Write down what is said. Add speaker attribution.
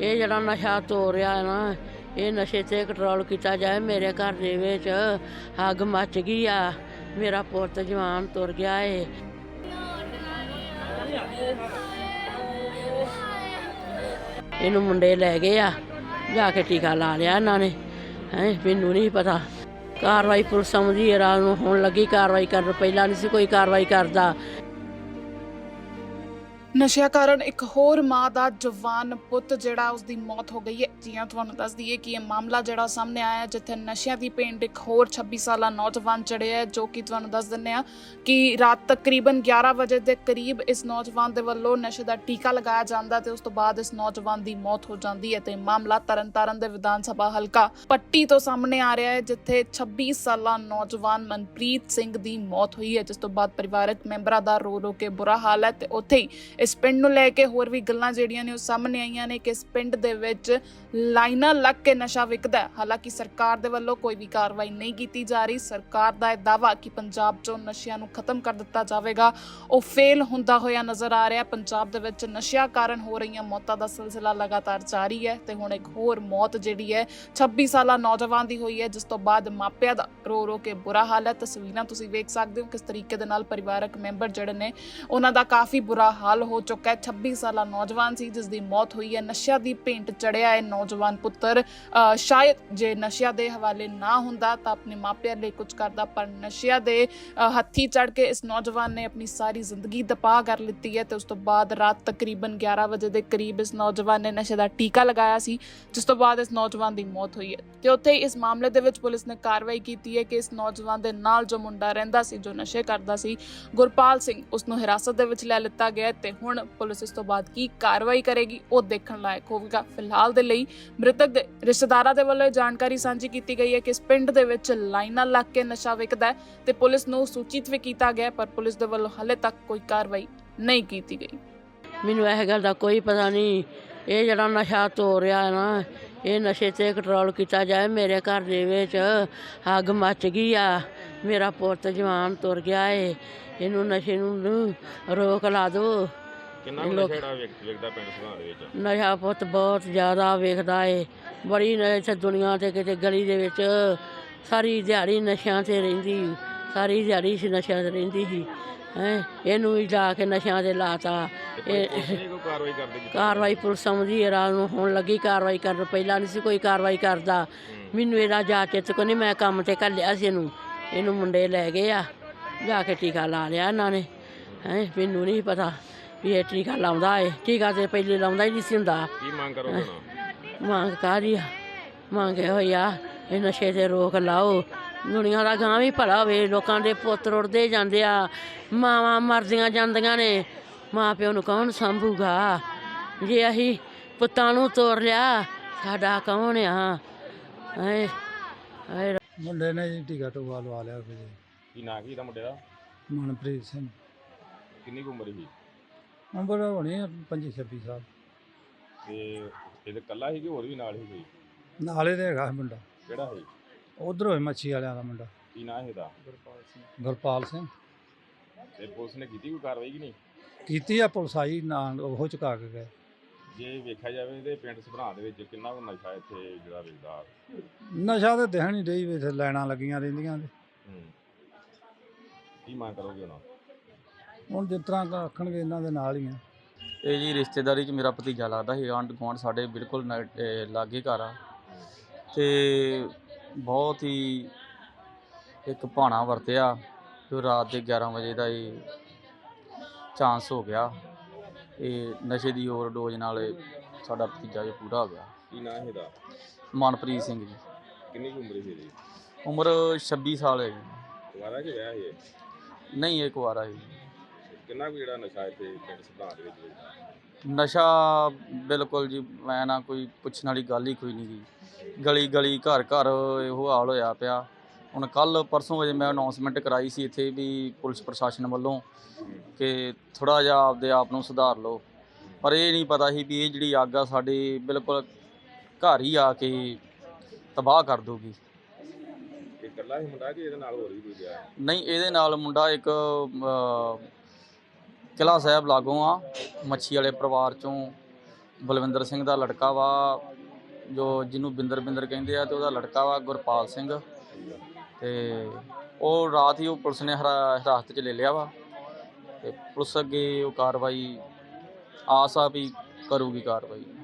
Speaker 1: ਇਹ ਜਿਹੜਾ ਨਸ਼ਾ ਤੋਰ ਰਿਹਾ ਨਾ, ਇਹ ਨਸ਼ੇ 'ਤੇ ਕੰਟਰੋਲ ਕੀਤਾ ਜਾਏ। ਮੇਰੇ ਘਰ ਦੇ ਵਿੱਚ ਅੱਗ ਮੱਚ ਗਈ ਆ, ਮੇਰਾ ਪੁੱਤ ਜਵਾਨ ਤੁਰ ਗਿਆ ਏ। ਇਹਨੂੰ ਮੁੰਡੇ ਲੈ ਗਏ ਆ, ਜਾ ਕੇ ਟੀਕਾ ਲਾ ਲਿਆ ਇਹਨਾਂ ਨੇ। ਮੈਨੂੰ ਨਹੀਂ ਪਤਾ। ਕਾਰਵਾਈ ਪੁਲਿਸ ਆਉਂਦੀ ਹੈ ਰਾਤ ਨੂੰ, ਹੁਣ ਲੱਗੀ ਕਾਰਵਾਈ ਕਰਨ, ਪਹਿਲਾਂ ਨਹੀਂ ਸੀ ਕੋਈ ਕਾਰਵਾਈ ਕਰਦਾ।
Speaker 2: ਨਸ਼ਿਆਂ ਕਾਰਨ ਇੱਕ ਹੋਰ ਮਾਂ ਦਾ ਜਵਾਨ ਪੁੱਤ ਜਿਹੜਾ ਉਸਦੀ ਮੌਤ ਹੋ ਗਈ ਹੈ। ਜੀਆਂ ਤੁਹਾਨੂੰ ਦੱਸ ਦਈਏ ਕਿ ਇਹ ਮਾਮਲਾ ਜਿਹੜਾ ਸਾਹਮਣੇ ਆਇਆ ਜਿੱਥੇ ਨਸ਼ਿਆਂ ਦੀ ਭੇਂਟ ਇੱਕ ਹੋਰ 26 ਸਾਲਾ ਨੌਜਵਾਨ ਚੜਿਆ ਹੈ, ਜੋ ਕਿ ਤੁਹਾਨੂੰ ਦੱਸ ਦਿੰਦੇ ਆ ਕਿ ਰਾਤ ਤਕਰੀਬਨ 11 ਵਜੇ ਦੇ ਕਰੀਬ ਇਸ ਨੌਜਵਾਨ ਦੇ ਵੱਲੋਂ ਨਸ਼ੇ ਦਾ ਟੀਕਾ ਲਗਾਇਆ ਜਾਂਦਾ ਤੇ ਉਸ ਤੋਂ ਬਾਅਦ ਇਸ ਨੌਜਵਾਨ ਦੀ ਮੌਤ ਹੋ ਜਾਂਦੀ ਹੈ। ਤੇ ਮਾਮਲਾ ਤਰਨਤਾਰਨ ਦੇ ਵਿਧਾਨ ਸਭਾ ਹਲਕਾ ਪੱਟੀ ਤੋਂ ਸਾਹਮਣੇ ਆ ਰਿਹਾ ਹੈ, ਜਿੱਥੇ 26 ਸਾਲਾ ਨੌਜਵਾਨ ਮਨਪ੍ਰੀਤ ਸਿੰਘ ਦੀ ਮੌਤ ਹੋਈ ਹੈ, ਜਿਸ ਤੋਂ ਬਾਅਦ ਪਰਿਵਾਰਕ ਮੈਂਬਰਾਂ ਦਾ ਰੋ ਰੋ ਕੇ ਬੁਰਾ ਹਾਲ ਹੈ। ਤੇ ਉੱਥੇ ਹੀ ਇਸ ਪਿੰਡ ਨੂੰ ਲੈ ਕੇ ਹੋਰ ਵੀ ਗੱਲਾਂ ਜਿਹੜੀਆਂ ਨੇ ਉਹ ਸਾਹਮਣੇ ਆਈਆਂ ਨੇ ਕਿ ਇਸ ਪਿੰਡ ਦੇ ਵਿੱਚ ਲਾਈਨਾਂ ਲੱਗ ਕੇ ਨਸ਼ਾ ਵਿਕਦਾ। ਹਾਲਾਂਕਿ ਸਰਕਾਰ ਦੇ ਵੱਲੋਂ ਕੋਈ ਵੀ ਕਾਰਵਾਈ ਨਹੀਂ ਕੀਤੀ ਜਾ ਰਹੀ। ਸਰਕਾਰ ਦਾ ਇਹ ਦਾਅਵਾ ਕਿ ਪੰਜਾਬ 'ਚੋਂ ਨਸ਼ਿਆਂ ਨੂੰ ਖਤਮ ਕਰ ਦਿੱਤਾ ਜਾਵੇਗਾ, ਉਹ ਫੇਲ ਹੁੰਦਾ ਹੋਇਆ ਨਜ਼ਰ ਆ ਰਿਹਾ। ਪੰਜਾਬ ਦੇ ਵਿੱਚ ਨਸ਼ਿਆਂ ਕਾਰਨ ਹੋ ਰਹੀਆਂ ਮੌਤਾਂ ਦਾ ਸਿਲਸਿਲਾ ਲਗਾਤਾਰ ਜਾਰੀ ਹੈ ਤੇ ਹੁਣ ਇੱਕ ਹੋਰ ਮੌਤ ਜਿਹੜੀ ਹੈ 26 ਸਾਲਾ ਨੌਜਵਾਨ ਦੀ ਹੋਈ ਹੈ, ਜਿਸ ਤੋਂ ਬਾਅਦ ਮਾਪਿਆਂ ਦਾ ਰੋ ਰੋ ਕੇ ਬੁਰਾ ਹਾਲ ਹੈ। ਤਸਵੀਰਾਂ ਤੁਸੀਂ ਵੇਖ ਸਕਦੇ ਹੋ ਕਿਸ ਤਰੀਕੇ ਦੇ ਨਾਲ ਪਰਿਵਾਰਕ ਮੈਂਬਰ ਜਿਹੜੇ ਨੇ ਉਹਨਾਂ ਦਾ ਕਾਫੀ ਬੁਰਾ ਹਾਲ ਹੋ ਚੁੱਕਾ। 26 ਸਾਲਾ ਨੌਜਵਾਨ ਸੀ ਜਿਸ ਦੀ ਮੌਤ ਹੋਈ ਹੈ। ਨਸ਼ਿਆਂ ਦੀ ਭੇਂਟ ਚੜਿਆ ਹੈ ਨੌਜਵਾਨ ਪੁੱਤਰ। ਸ਼ਾਇਦ ਜੇ ਨਸ਼ਿਆਂ ਦੇ ਹਵਾਲੇ ਨਾ ਹੁੰਦਾ ਤਾਂ ਆਪਣੇ ਮਾਪਿਆਂ ਲਈ ਕੁਝ ਕਰਦਾ, ਪਰ ਨਸ਼ਿਆਂ ਦੇ ਹੱਥੀ ਚੜ ਕੇ ਇਸ ਨੌਜਵਾਨ ਨੇ ਆਪਣੀ ਸਾਰੀ ਜ਼ਿੰਦਗੀ ਤਬਾਹ ਕਰ ਲਿੱਤੀ ਹੈ। ਤੇ ਉਸ ਤੋਂ ਬਾਅਦ ਰਾਤ ਤਕਰੀਬਨ 11 ਵਜੇ ਦੇ ਕਰੀਬ ਇਸ ਨੌਜਵਾਨ ਨੇ ਨਸ਼ੇ ਦਾ ਟੀਕਾ ਲਗਾਇਆ ਸੀ, ਜਿਸ ਤੋਂ ਬਾਅਦ ਇਸ ਨੌਜਵਾਨ ਦੀ ਮੌਤ ਹੋਈ ਹੈ। ਤੇ ਉੱਥੇ ਇਸ ਮਾਮਲੇ ਦੇ ਵਿੱਚ ਪੁਲਿਸ ਨੇ ਕਾਰਵਾਈ ਕੀਤੀ ਹੈ ਕਿ ਇਸ ਨੌਜਵਾਨ ਦੇ ਨਾਲ ਜੋ ਮੁੰਡਾ ਰਹਿੰਦਾ ਸੀ, ਜੋ ਨਸ਼ੇ ਕਰਦਾ ਸੀ, ਗੁਰਪਾਲ ਸਿੰਘ, ਉਸ ਨੂੰ ਹਿਰਾਸਤ ਦੇ ਵਿੱਚ ਲੈ ਲਿੱਤਾ ਗਿਆ। ਤੇ ਹੁਣ ਪੁਲਿਸ ਇਸ ਤੋਂ ਬਾਅਦ ਕੀ ਕਾਰਵਾਈ ਕਰੇਗੀ ਉਹ ਦੇਖਣ ਲਾਇਕ ਹੋਵੇਗਾ। ਫਿਲਹਾਲ ਦੇ ਲਈ ਮ੍ਰਿਤਕ ਦੇ ਰਿਸ਼ਤੇਦਾਰਾਂ ਦੇ ਵੱਲੋਂ ਜਾਣਕਾਰੀ ਸਾਂਝੀ ਕੀਤੀ ਗਈ ਹੈ ਕਿ ਇਸ ਪਿੰਡ ਦੇ ਵਿੱਚ ਲਾਈਨਾਂ ਲੱਗ ਕੇ ਨਸ਼ਾ ਵਿਕਦਾ ਤੇ ਪੁਲਿਸ ਨੂੰ ਸੂਚਿਤ ਵੀ ਕੀਤਾ ਗਿਆ, ਪਰ ਪੁਲਿਸ ਦੇ ਵੱਲੋਂ ਹਾਲੇ ਤੱਕ ਕੋਈ ਕਾਰਵਾਈ ਨਹੀਂ ਕੀਤੀ ਗਈ।
Speaker 1: ਮੈਨੂੰ ਇਹ ਗੱਲ ਦਾ ਕੋਈ ਪਤਾ ਨਹੀਂ। ਇਹ ਜਿਹੜਾ ਨਸ਼ਾ ਤੋਰ ਰਿਹਾ ਨਾ, ਇਹ ਨਸ਼ੇ 'ਤੇ ਕੰਟਰੋਲ ਕੀਤਾ ਜਾਏ। ਮੇਰੇ ਘਰ ਦੇ ਵਿੱਚ ਅੱਗ ਮੱਚ ਗਈ ਆ, ਮੇਰਾ ਪੁੱਤ ਜਵਾਨ ਤੁਰ ਗਿਆ ਏ। ਇਹਨੂੰ ਨਸ਼ੇ ਨੂੰ ਰੋਕ ਲਾ ਦਿਓ।
Speaker 3: ਕਿੰਨਾ ਨਸ਼ਾ ਵੇਖਦਾ ਪਿੰਡ ਸੁਭਾਅ ਦੇ ਵਿੱਚ?
Speaker 1: ਨਸ਼ਾ ਪੁੱਤ ਬਹੁਤ ਜ਼ਿਆਦਾ ਵੇਖਦਾ ਏ। ਬੜੀ ਇੱਥੇ ਦੁਨੀਆ 'ਤੇ ਕਿਤੇ ਗਲੀ ਦੇ ਵਿੱਚ ਸਾਰੀ ਦਿਹਾੜੀ ਨਸ਼ਿਆਂ 'ਤੇ ਰਹਿੰਦੀ, ਸਾਰੀ ਦਿਹਾੜੀ ਨਸ਼ਿਆਂ 'ਤੇ ਰਹਿੰਦੀ ਸੀ। ਇਹਨੂੰ ਵੀ ਜਾ ਕੇ ਨਸ਼ਿਆਂ 'ਤੇ ਲਾਤਾ। ਕਾਰਵਾਈ ਪੁਲਿਸ ਆਉਂਦੀ ਹੈ ਰਾਤ ਨੂੰ, ਹੁਣ ਲੱਗੀ ਕਾਰਵਾਈ ਕਰਨ, ਪਹਿਲਾਂ ਨਹੀਂ ਸੀ ਕੋਈ ਕਾਰਵਾਈ ਕਰਦਾ। ਮੈਨੂੰ ਇਹਦਾ ਜਾ ਚਿੱਤ ਕੋ ਨਹੀਂ, ਮੈਂ ਕੰਮ 'ਤੇ ਘੱਲਿਆ ਸੀ ਇਹਨੂੰ ਮੁੰਡੇ ਲੈ ਗਏ ਆ, ਜਾ ਕੇ ਟੀਕਾ ਲਾ ਲਿਆ ਇਹਨਾਂ ਨੇ। ਮੈਨੂੰ ਨਹੀਂ ਪਤਾ ਵੀ ਇਹ ਟੀਕਾ ਲਾਉਂਦਾ ਏ। ਟੀਕਾ ਤੇ ਪਹਿਲੇ ਲਾਉਂਦਾ ਹੀ ਨਹੀਂ ਸੀ ਹੁੰਦਾ।
Speaker 3: ਕੀ ਮੰਗ ਕਰੋਗੇ?
Speaker 1: ਮੰਗ ਕਾਹਦੀ ਆ? ਮੰਗ ਇਹੋ ਹੀ ਆ, ਇਹ ਨਸ਼ੇ 'ਤੇ ਰੋਕ ਲਾਓ। ਦੁਨੀਆ ਦਾ ਗਾਂ ਵੀ ਭਲਾ ਹੋਵੇ। ਲੋਕਾਂ ਦੇ ਪੁੱਤ ਰੁੜਦੇ ਜਾਂਦੇ ਆ, ਮਾਵਾਂ ਮਰਦੀਆਂ ਜਾਂਦੀਆਂ ਨੇ, ਮਾਂ ਪਿਓ ਨੂੰ ਕੌਣ ਸਾਂਭੂਗਾ? ਜੇ ਅਸੀਂ ਪੁੱਤਾਂ ਨੂੰ ਤੋਰ ਲਿਆ, ਸਾਡਾ ਕੌਣ ਆ?
Speaker 4: ਮੁੰਡੇ ਨੇ ਜੀ ਟੀਕਾ ਟੂਕਾ ਲਵਾ ਲਿਆ।
Speaker 3: ਕੀ ਨਾਂ ਕੀ ਦਾ ਮੁੰਡੇ ਦਾ?
Speaker 4: ਮਨਪ੍ਰੀਤ ਸਿੰਘ।
Speaker 3: ਕਿੰਨੀ ਕੁ ਉਮਰ ਸੀ?
Speaker 4: ਉਮਰ ਹੋਣੀ 25-26 ਸਾਲ।
Speaker 3: ਤੇ ਇਹਦੇ ਇਕੱਲਾ ਸੀ ਕਿ ਹੋਰ ਵੀ ਨਾਲ ਹੀ ਕੋਈ?
Speaker 4: ਨਾਲੇ ਤੇ ਹੈਗਾ ਮੁੰਡਾ।
Speaker 3: ਕਿਹੜਾ ਸੀ?
Speaker 4: ਉਧਰ ਹੋਏ ਮੱਛੀ ਵਾਲਿਆਂ ਦਾ ਮੁੰਡਾ।
Speaker 3: ਕੀ ਨਾਂ ਇਹਦਾ?
Speaker 4: ਗੁਰਪਾਲ ਸਿੰਘ।
Speaker 3: ਤੇ ਪੁਲਿਸ ਨੇ ਕੀਤੀ ਕੋਈ ਕਾਰਵਾਈ ਕਿ ਨਹੀਂ
Speaker 4: ਕੀਤੀ ਆ? ਪੁਲਿਸ ਆਈ ਨਾਲ, ਉਹ ਚੁਕਾ ਕੇ ਗਏ।
Speaker 3: ਜੇ ਵੇਖਿਆ ਜਾਵੇ ਤੇ ਪਿੰਡ ਸੁਭਾਅ ਦੇ ਵਿੱਚ ਕਿੰਨਾ ਕੁ ਨਸ਼ਾ ਇੱਥੇ ਜਿਹੜਾ ਵੇਚਦਾ?
Speaker 4: ਨਸ਼ਾ ਤਾਂ ਦਿਖਣ ਹੀ ਡਈ ਵੀ, ਇੱਥੇ ਲਾਈਨਾਂ ਲੱਗੀਆਂ ਰਹਿੰਦੀਆਂ ਨੇ।
Speaker 3: ਕੀ ਮੰਗ ਕਰੋਗੇ
Speaker 4: ਹੁਣ ਜਿਸ ਤਰ੍ਹਾਂ ਆਖਣਗੇ ਇਹਨਾਂ ਦੇ ਨਾਲ ਹੀ ਆ।
Speaker 5: ਇਹ ਜੀ ਰਿਸ਼ਤੇਦਾਰੀ 'ਚ ਮੇਰਾ ਭਤੀਜਾ ਲੱਗਦਾ ਸੀ। ਆਂਢ ਗੁਆਂਢ ਸਾਡੇ ਬਿਲਕੁਲ ਲਾਗੇ ਘਰ ਆ, ਅਤੇ ਬਹੁਤ ਹੀ ਇੱਕ ਭਾਣਾ ਵਰਤਿਆ ਜੋ ਰਾਤ ਦੇ 11 ਵਜੇ ਦਾ ਇਹ ਚਾਂਸ ਹੋ ਗਿਆ। ਇਹ ਨਸ਼ੇ ਦੀ ਓਵਰਡੋਜ਼ ਨਾਲ ਸਾਡਾ ਭਤੀਜਾ ਜੋ ਪੂਰਾ ਹੋ ਗਿਆ।
Speaker 3: ਕੀ ਨਾਂ ਇਹਦਾ?
Speaker 5: ਮਨਪ੍ਰੀਤ ਸਿੰਘ ਜੀ।
Speaker 3: ਕਿੰਨੀ ਕੁ ਉਮਰ ਸੀ ਇਹਦੀ?
Speaker 5: ਉਮਰ 26 ਸਾਲ ਹੈ ਜੀ।
Speaker 3: ਕੁਆਰਾ ਕਿ ਵਿਆਹ ਸੀ?
Speaker 5: ਨਹੀਂ, ਇਹ ਕੁਆਰਾ ਸੀ।
Speaker 3: ਕਿੰਨਾ ਕੁ ਜਿਹੜਾ ਨਸ਼ਾ ਇੱਥੇ ਪਿੰਡ ਸੁਭਾਅ ਦੇ ਵਿੱਚ ਵੇਚਦਾ?
Speaker 5: ਨਸ਼ਾ ਬਿਲਕੁਲ ਜੀ, ਮੈਂ ਨਾ ਕੋਈ ਪੁੱਛਣ ਵਾਲੀ ਗੱਲ ਹੀ ਕੋਈ ਨਹੀਂ ਗੀ। ਗਲੀ ਗਲੀ ਘਰ ਘਰ ਇਹੋ ਹਾਲ ਹੋਇਆ ਪਿਆ। ਹੁਣ ਕੱਲ੍ਹ ਪਰਸੋਂ ਵਜੇ ਮੈਂ ਅਨਾਊਂਸਮੈਂਟ ਕਰਾਈ ਸੀ ਇੱਥੇ ਵੀ ਪੁਲਿਸ ਪ੍ਰਸ਼ਾਸਨ ਵੱਲੋਂ ਕਿ ਥੋੜ੍ਹਾ ਜਿਹਾ ਆਪਦੇ ਆਪ ਨੂੰ ਸੁਧਾਰ ਲਓ, ਪਰ ਇਹ ਨਹੀਂ ਪਤਾ ਸੀ ਵੀ ਇਹ ਜਿਹੜੀ ਅੱਗ ਆ ਸਾਡੇ ਬਿਲਕੁਲ ਘਰ ਹੀ ਆ ਕੇ ਤਬਾਹ ਕਰ ਦੂਗੀ।
Speaker 3: ਇਹ ਇਕੱਲਾ ਹੀ ਮੁੰਡਾ ਕਿ ਇਹਦੇ ਨਾਲ ਹੋਰ ਵੀ ਕੋਈ ਗਿਆ?
Speaker 5: ਨਹੀਂ, ਇਹਦੇ ਨਾਲ ਮੁੰਡਾ ਇੱਕ ਕਿਲ੍ਹਾ ਸਾਹਿਬ ਲਾਗੋਂ ਆ, ਮੱਛੀ ਵਾਲੇ ਪਰਿਵਾਰ 'ਚੋਂ ਬਲਵਿੰਦਰ ਸਿੰਘ ਦਾ ਲੜਕਾ ਵਾ, ਜੋ ਜਿਹਨੂੰ ਬਿੰਦਰ ਕਹਿੰਦੇ ਆ, ਤੇ ਉਹਦਾ ਲੜਕਾ ਵਾ ਗੁਰਪਾਲ ਸਿੰਘ। ਤੇ ਉਹ ਰਾਤ ਹੀ ਉਹ ਪੁਲਿਸ ਨੇ ਹਿਰਾਸਤ 'ਚ ਲੈ ਲਿਆ ਵਾ, ਤੇ ਪੁਲਿਸ ਅੱਗੇ ਉਹ ਕਾਰਵਾਈ ਆਸ ਆ ਵੀ ਕਰੂਗੀ ਕਾਰਵਾਈ।